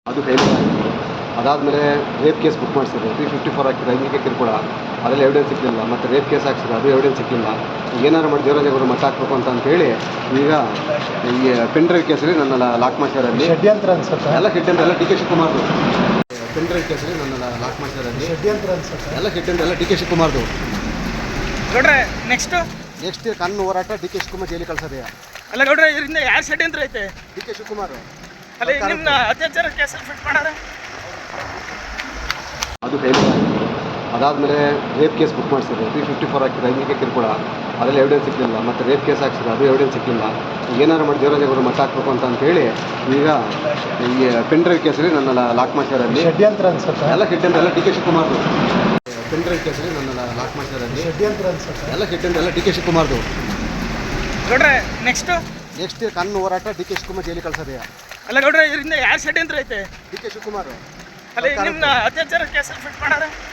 ಅದು ಫೇಲ್ಯೂರ್ ಆಯಿತು. ಅದಾದಮೇಲೆ ರೇಪ್ ಕೇಸ್ ಬುಕ್ ಮಾಡಿಸಿದ್ರು. 354 ಹಾಕಿದ್ರು, ಲೈಂಗಿಕ ಕಿರುಕುಳ, ಅದರಲ್ಲಿ ಎವಿಡೆನ್ಸ್ ಸಿಗಲಿಲ್ಲ. ಮತ್ತು ರೇಪ್ ಕೇಸ್ ಹಾಕ್ಸಿದ್ರು, ಅದು ಎವಿಡೆನ್ಸ್ ಸಿಗಲಿಲ್ಲ. ಏನಾರು ಮಾಡಿ ದೇವರಾಜೇಗೌಡರು ಮಟ್ಟ ಹಾಕಬೇಕು ಅಂತೇಳಿ ಈಗ ಈ ಪೆನ್ ಡ್ರೈವ್ ಕೇಸಲ್ಲಿ ನನ್ನ ಲಾಕ್ ಮಾಡ್ಸಿರೋಲ್ಲಿ ಷಡ್ಯಂತ್ರ ಅನ್ಸುತ್ತೆ. ಎಲ್ಲ ಷಡ್ಯಂತ್ರ, ಎಲ್ಲ ಡಿ ಕೆ ಶಿವಕುಮಾರ್ದು. ಪೆನ್ ಡ್ರೈವ್ ಕೇಸಲ್ಲಿ ನನ್ನ ಲಾಕ್ ಮಾಡ್ಸಿರೋಲ್ಲಿ ಷಡ್ಯಂತ್ರ ಅನ್ಸುತ್ತೆ. ಎಲ್ಲ ಷಡ್ಯಂತ್ರ, ಎಲ್ಲ ಡಿ ಕೆ ಶಿವಕುಮಾರ್ದು. ಗೌಡ್ರೆ ನೆಕ್ಸ್ಟ್ ಕಾನೂನು ಹೋರಾಟ ಡಿ ಕೆ ಶಿವಕುಮಾರ್ ಜೈಲಿಗೆ ಕಳ್ಸೋದೆಯಾ? ಅಲ್ಲ ಗೌಡ್ರೆ, ಇದರಿಂದ ಯಾವ ಷಡ್ಯಂತ್ರ ಐತೆ? ಡಿ ಕೆ ಶಿವಕುಮಾರ್ ಅಲ್ಲ ನಿಮ್ನ ಅತ್ಯಾಚಾರ ಕೇಸಲ್ಲಿ ಫಿಟ್ ಮಾಡಾರ, ಅದು ಫೇಲ್ಯೂರ್ ಆಯಿತು. ಅದಾದಮೇಲೆ ರೇಪ್ ಕೇಸ್ ಬುಕ್ ಮಾಡಿಸಿದ್ರು. 354 ಹಾಕಿದ್ರು, ಲೈಂಗಿಕ ಕಿರುಕುಳ, ಅದರಲ್ಲಿ ಎವಿಡೆನ್ಸ್ ಸಿಗಲಿಲ್ಲ. ಮತ್ತು ರೇಪ್ ಕೇಸ್ ಹಾಕ್ಸಿದ್ರು, ಅದು ಎವಿಡೆನ್ಸ್ ಸಿಗಲಿಲ್ಲ. ಏನಾರು ಮಾಡಿ ದೇವರಾಜೇಗೌಡರು ಮಟ್ಟ ಹಾಕಬೇಕು ಅಂತೇಳಿ ಈಗ ಈ ಪೆನ್ ಡ್ರೈವ್ ಕೇಸಲ್ಲಿ ನನ್ನ ಲಾಕ್ ಮಾಡ್ಸಿರೋಲ್ಲಿ ಷಡ್ಯಂತ್ರ ಅನ್ಸುತ್ತೆ. ಎಲ್ಲ ಷಡ್ಯಂತ್ರ, ಎಲ್ಲ ಡಿ ಕೆ ಶಿವಕುಮಾರ್ದು. ಪೆನ್ ಡ್ರೈವ್ ಕೇಸಲ್ಲಿ ನನ್ನ ಲಾಕ್ ಮಾಡ್ಸಿರೋಲ್ಲಿ ಷಡ್ಯಂತ್ರ ಅನ್ಸುತ್ತೆ. ಎಲ್ಲ ಷಡ್ಯಂತ್ರ, ಎಲ್ಲ ಡಿ ಕೆ ಶಿವಕುಮಾರ್ದು. ಗೌಡ್ರೆ ನೆಕ್ಸ್ಟ್ ಕಾನೂನು ಹೋರಾಟ ಡಿ ಕೆ ಶಿವಕುಮಾರ್ ಜೈಲಿಗೆ ಕಳ್ಸೋದೆಯಾ? ಅಲ್ಲ ಗೌಡ್ರೆ, ಇದರಿಂದ ಯಾವ ಷಡ್ಯಂತ್ರ ಐತೆ? ಡಿ ಕೆ ಶಿವಕುಮಾರ್ ಅಲ್ಲ ನಿಮ್ನ ಅತ್ಯಾಚಾರ ಕೇಸಲ್ಲಿ ಫಿಟ್ ಮಾಡಾರ,